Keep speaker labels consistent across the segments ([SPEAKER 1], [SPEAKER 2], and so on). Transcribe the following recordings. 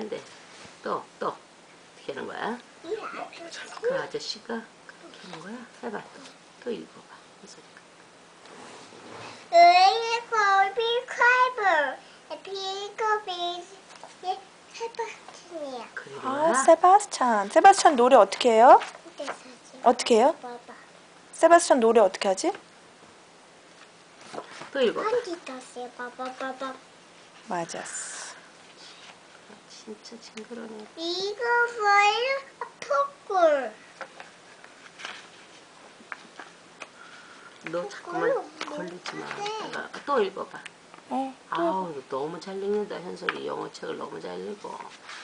[SPEAKER 1] 한대. 또 어떻게 하는 거야? 그 아저씨가 그렇게 하는 거야? 해봐. 또 읽어봐. 현솔이가.
[SPEAKER 2] 세바스찬. 세바스찬 노래 어떻게 해요? 어떻게 해요? 세바스찬 노래 어떻게 하지?
[SPEAKER 1] 또 읽어봐.
[SPEAKER 2] 맞았어.
[SPEAKER 1] 진짜 징그러네.
[SPEAKER 3] 이거 뭐예요? 포꿀.
[SPEAKER 1] 너 자꾸만 걸리지 마. 내가 또 읽어봐. 아우 너무 잘 읽는다. 현솔이 영어책을 너무 잘 읽어.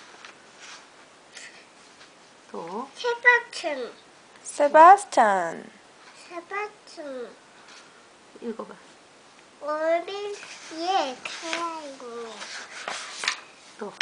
[SPEAKER 1] 또
[SPEAKER 2] 세바스찬.
[SPEAKER 1] 읽어봐.
[SPEAKER 3] 어린 가이고.
[SPEAKER 1] 또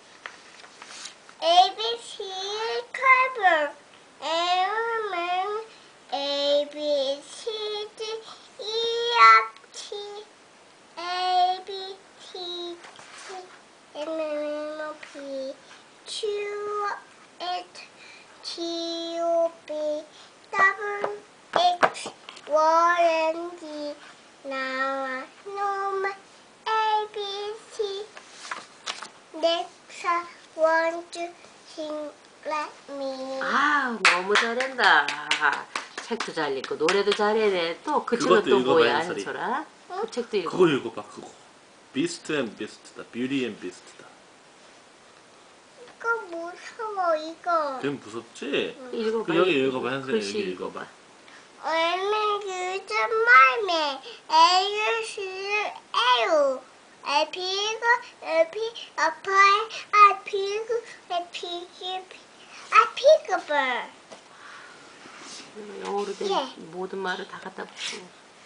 [SPEAKER 3] ABC cover. Amen. A B C D E F G A B T C M N O P Q R T U V W X Y and Z. Now I A B C. Next I want to sing like me.
[SPEAKER 1] 아 너무 잘한다. 책도 잘 읽고 노래도 잘해네. 또 그 책은
[SPEAKER 4] 그것도
[SPEAKER 1] 또
[SPEAKER 4] 읽어봐,
[SPEAKER 1] 뭐야
[SPEAKER 4] 현솔이.
[SPEAKER 1] 현솔아? 그 책도 읽어.
[SPEAKER 4] 그거 읽어봐. 그거. 비스트 앤 비스트다. 뷰티 앤 비스트다.
[SPEAKER 3] 이거 무서워 이거.
[SPEAKER 4] 그럼 무섭지?
[SPEAKER 1] 읽어봐.
[SPEAKER 4] 그 여기 읽어봐. 현솔이
[SPEAKER 1] 글씨
[SPEAKER 4] 여기
[SPEAKER 1] 읽어봐.
[SPEAKER 3] 얼른 유전 말매 에유시를 에유 에피고 에피 아파이 아피고 에피기 아피그벌.
[SPEAKER 1] 영어로 된
[SPEAKER 3] 예.
[SPEAKER 1] 모든 말을 다 갖다 붙이고.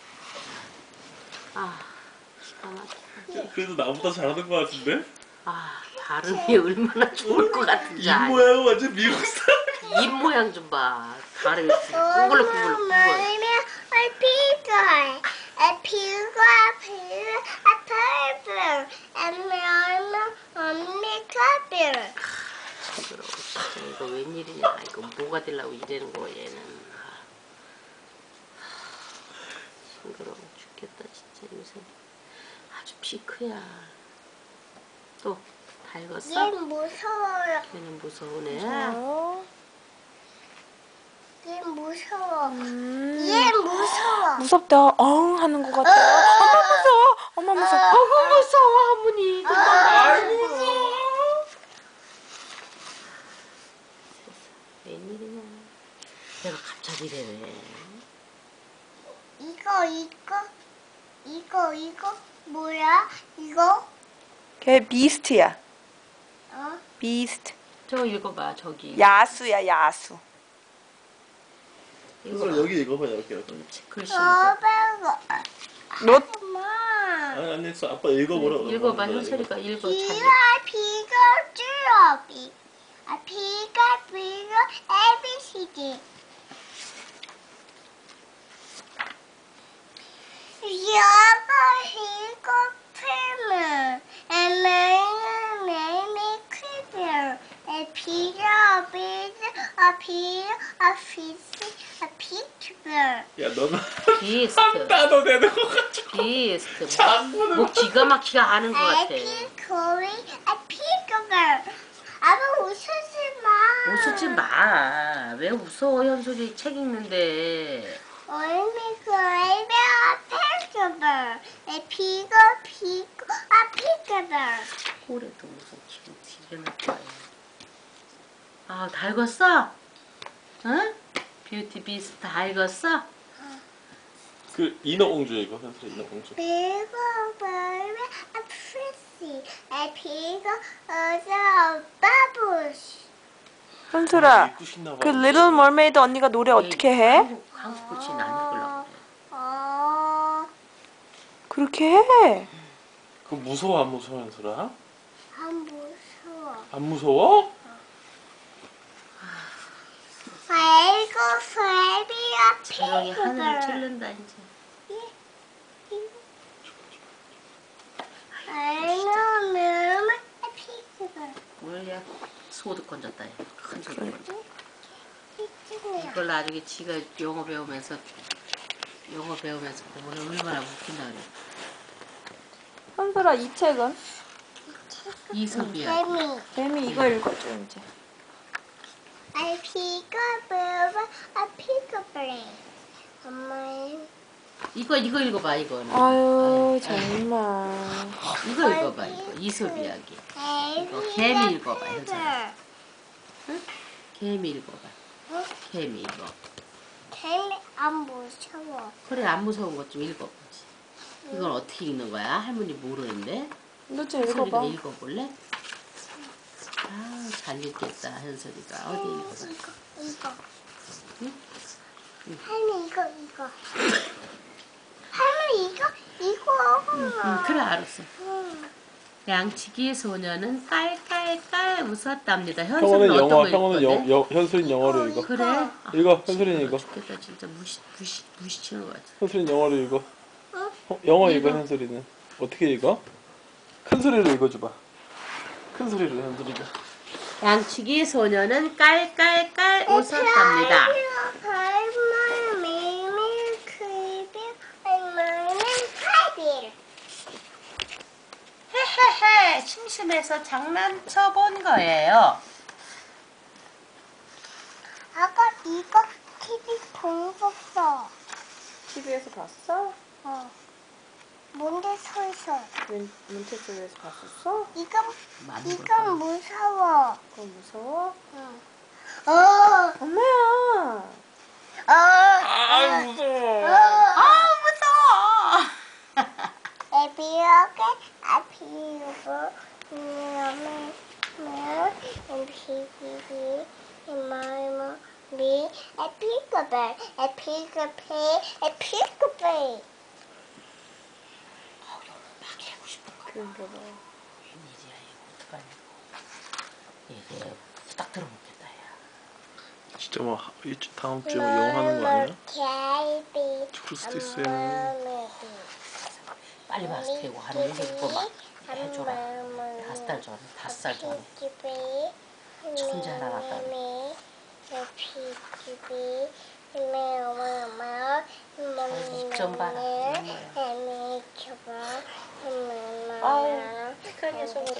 [SPEAKER 1] 아 기가 막혀.
[SPEAKER 4] 그래도 나보다 잘하는 것 같은데?
[SPEAKER 1] 아 발음이 얼마나 좋을 것 같은지
[SPEAKER 4] 입
[SPEAKER 1] 알지?
[SPEAKER 4] 모양은 완전 미국 사람.
[SPEAKER 1] 입 모양 좀 봐. 발음이 꾸글꾸글.
[SPEAKER 3] 말매 에피고 에피고 아피고 아파이블 에미얼마 언미카빌.
[SPEAKER 1] 징그러워. 진짜 이거 웬일이냐. 이거 뭐가 되려고 이러는 거 얘는. 징그러워 죽겠다 진짜 요새. 아주 피크야. 또 다 읽었어?
[SPEAKER 3] 얘 무서워요.
[SPEAKER 1] 걔는 무서우네.
[SPEAKER 3] 얘 무서워. 얘 무서워.
[SPEAKER 2] 무섭다. 엉 하는 것 같아. 엄마 무서워. 엄마 무서워.
[SPEAKER 1] 어구 무서워 할머니.
[SPEAKER 4] 아이고 무서워.
[SPEAKER 1] 웬일이냐. 내가 갑자기 이래네.
[SPEAKER 3] 이거 뭐야? 이거?
[SPEAKER 2] 걔 비스트야.
[SPEAKER 3] 어?
[SPEAKER 2] 비스트.
[SPEAKER 1] 저 읽어봐 저기.
[SPEAKER 2] 야수야 야수.
[SPEAKER 4] 현솔 여기 읽어봐. 여기.
[SPEAKER 1] 글씨 읽어.
[SPEAKER 2] 너
[SPEAKER 3] 엄마.
[SPEAKER 4] 아니 했어. 아빠 읽어보라고.
[SPEAKER 1] 읽어봐. 현철이가 읽어. 잘 읽어.
[SPEAKER 3] 피가 줄어비. 피가 ABCD. 이거 필름. 매매 크별. 피가 피트별.
[SPEAKER 4] 야 너는
[SPEAKER 1] 비스트.
[SPEAKER 4] 한 단어 내는 거 가지고.
[SPEAKER 1] 비스트.
[SPEAKER 4] 자꾸는
[SPEAKER 1] 뭐 기가 막히게 아는 것 같아.
[SPEAKER 3] 피코리 피그별. 아빠 웃지 마.
[SPEAKER 1] 웃지 마. 왜 웃어 현솔이 책 읽는데.
[SPEAKER 3] 얼미그 피그별. 피고 피그별.
[SPEAKER 1] 꼴에도 무슨 기분 되게 나빠. 아, 다 읽었어? 응? 뷰티 비스트 다 읽었어?
[SPEAKER 4] 그 인어공주 이거 현솔 인어공주.
[SPEAKER 3] 피그별 프리시. 피고 바부시.
[SPEAKER 2] 현솔아.
[SPEAKER 4] 읽고 싶나 봐.
[SPEAKER 2] 그 리틀 머메이드 언니가 노래 어떻게 해?
[SPEAKER 1] 한국 글씨 안 읽으려고 그래.
[SPEAKER 2] 그렇게 해.
[SPEAKER 4] 그거 무서워 안 무서워 현솔아?
[SPEAKER 3] 안 무서워.
[SPEAKER 4] 안 무서워?
[SPEAKER 3] 아이고 프레비아
[SPEAKER 1] 조용히 하늘을
[SPEAKER 3] 피그별.
[SPEAKER 1] 찔른다 이제.
[SPEAKER 3] 아이고 피그별.
[SPEAKER 1] 뭐야 소득 건졌다. 큰 소득
[SPEAKER 2] 그래.
[SPEAKER 1] 건졌다.
[SPEAKER 3] 이쪽이야.
[SPEAKER 1] 이걸 나중에 지가 영어 배우면서 보면 얼마나 웃긴다 그래.
[SPEAKER 2] 현솔아 이 책은?
[SPEAKER 1] 이섭이야.
[SPEAKER 3] 뱀이.
[SPEAKER 2] 뱀이 이거 읽어줘 이제.
[SPEAKER 3] I pick up a pick up brain. 엄마의
[SPEAKER 1] 이거 읽어봐 이거는.
[SPEAKER 2] 아유 정말.
[SPEAKER 1] 이거 읽어봐 이거 이섭 이야기. 개미 읽어봐, 현서야. 개미 읽어봐.
[SPEAKER 3] 응?
[SPEAKER 1] 개미 읽어.
[SPEAKER 3] 개미 안 무서워.
[SPEAKER 1] 그래 안 무서운 것 좀 읽어보지. 이건 어떻게 읽는 거야? 할머니 모르는데.
[SPEAKER 2] 너 좀
[SPEAKER 1] 현설이가
[SPEAKER 2] 읽어봐.
[SPEAKER 1] 읽어볼래? 아, 잘 읽겠다 현설이가. 어디 읽어봐.
[SPEAKER 3] 이거.
[SPEAKER 1] 응?
[SPEAKER 3] 할머니 이거. 할머니 이거.
[SPEAKER 1] 그래 알았어.
[SPEAKER 3] 응.
[SPEAKER 1] 양치기 소녀는 깔깔깔 웃었답니다.
[SPEAKER 4] 형어는
[SPEAKER 1] 현설은
[SPEAKER 4] 영어,
[SPEAKER 1] 어떤 거
[SPEAKER 4] 형어는
[SPEAKER 1] 읽거든?
[SPEAKER 4] 현수린 영어로 읽어.
[SPEAKER 1] 그래? 아,
[SPEAKER 4] 읽어, 현수린 읽어.
[SPEAKER 1] 죽겠다 진짜 무시치는 것 같아.
[SPEAKER 4] 현수린 영어로 읽어.
[SPEAKER 3] 응?
[SPEAKER 4] 영어 읽어,
[SPEAKER 1] 읽어.
[SPEAKER 4] 현수리는. 어떻게 읽어? 큰 소리로 읽어줘봐. 큰 소리로 현수리가.
[SPEAKER 1] 양치기 소녀는 깔깔깔 웃었답니다. 헤헤헤 심심해서 장난쳐 본 거예요.
[SPEAKER 3] 아까 이거 TV 본 봤어.
[SPEAKER 2] TV에서 봤어?
[SPEAKER 3] 뭔데 서있어?
[SPEAKER 2] 문체쪽에서 봤었어?
[SPEAKER 3] 이건 무서워.
[SPEAKER 2] 그거 무서워?
[SPEAKER 3] 응.
[SPEAKER 2] 엄마야.
[SPEAKER 4] 아, 무서워.
[SPEAKER 1] 아 무서워.
[SPEAKER 3] 에비어게 에피그베
[SPEAKER 1] 막 해고 싶은 거.
[SPEAKER 2] 그런가 봐.
[SPEAKER 1] 웬일이야 이거 어떡하냐 이거. 이게 딱 들어먹겠다 야.
[SPEAKER 4] 진짜 뭐 다음 주에 뭐 영어 하는 거 아니야?
[SPEAKER 3] 케이비
[SPEAKER 4] 그럴 수도 있어요.
[SPEAKER 1] 빨리 마스크하고 하는 이거 막 해줘라. 5살 전에 5살 전에 천재 하나 낳았다. 입 좀 봐라.
[SPEAKER 2] 아유, 착한 녀석으로.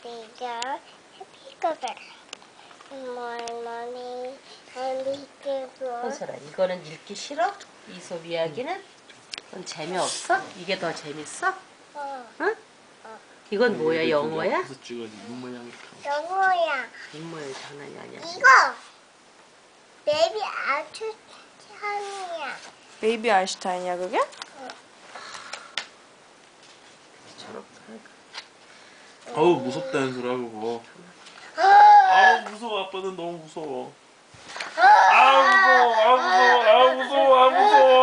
[SPEAKER 1] 현설아 이거는 읽기 싫어? 이솝 이야기는? 그건 재미없어? 이게 더 재밌어? 응? 이건 뭐야 영어야?
[SPEAKER 4] 그래서 찍어야지 입 모양 이렇게.
[SPEAKER 3] 영어야.
[SPEAKER 1] 입모양 장난이 아니야.
[SPEAKER 3] 이거 베이비 아트찬이야.
[SPEAKER 2] 베이비 아인슈타인이야 그게?
[SPEAKER 4] 어우 무섭다 현수라 그거. 아우 무서워. 아빠는 너무 무서워. 아우 무서워.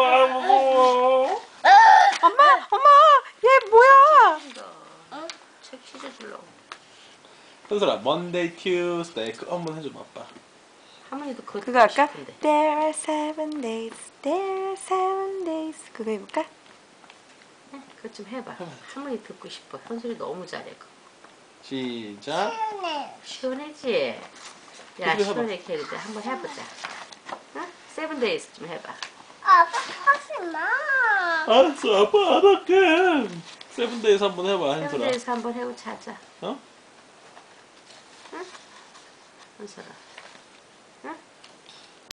[SPEAKER 2] 엄마 얘 뭐야?
[SPEAKER 1] 응? 책 찢어주려고.
[SPEAKER 4] 현수라 Monday, Tuesday 그거 한번 해줘봐 아빠.
[SPEAKER 1] 할머니도 그거
[SPEAKER 2] 그거 할까?
[SPEAKER 1] 싶은데.
[SPEAKER 2] There are 7 days. There are 7 days. 그거 해볼까?
[SPEAKER 1] 네, 그거 좀 해봐. 할머니 듣고 싶어. 현설이 너무 잘해. 그거.
[SPEAKER 4] 시작.
[SPEAKER 1] 시원하지? 야
[SPEAKER 4] 해봐.
[SPEAKER 1] 시원하게 해야 돼. 한번 해보자. 응? 7 days 좀 해봐.
[SPEAKER 3] 아빠 하지 마.
[SPEAKER 4] 알았어 아빠 안 할게. 세븐데이즈 한번 해봐
[SPEAKER 1] 7
[SPEAKER 4] 현수라.
[SPEAKER 1] days 한번 해고 자자.
[SPEAKER 4] 어?
[SPEAKER 1] 응? 현설아.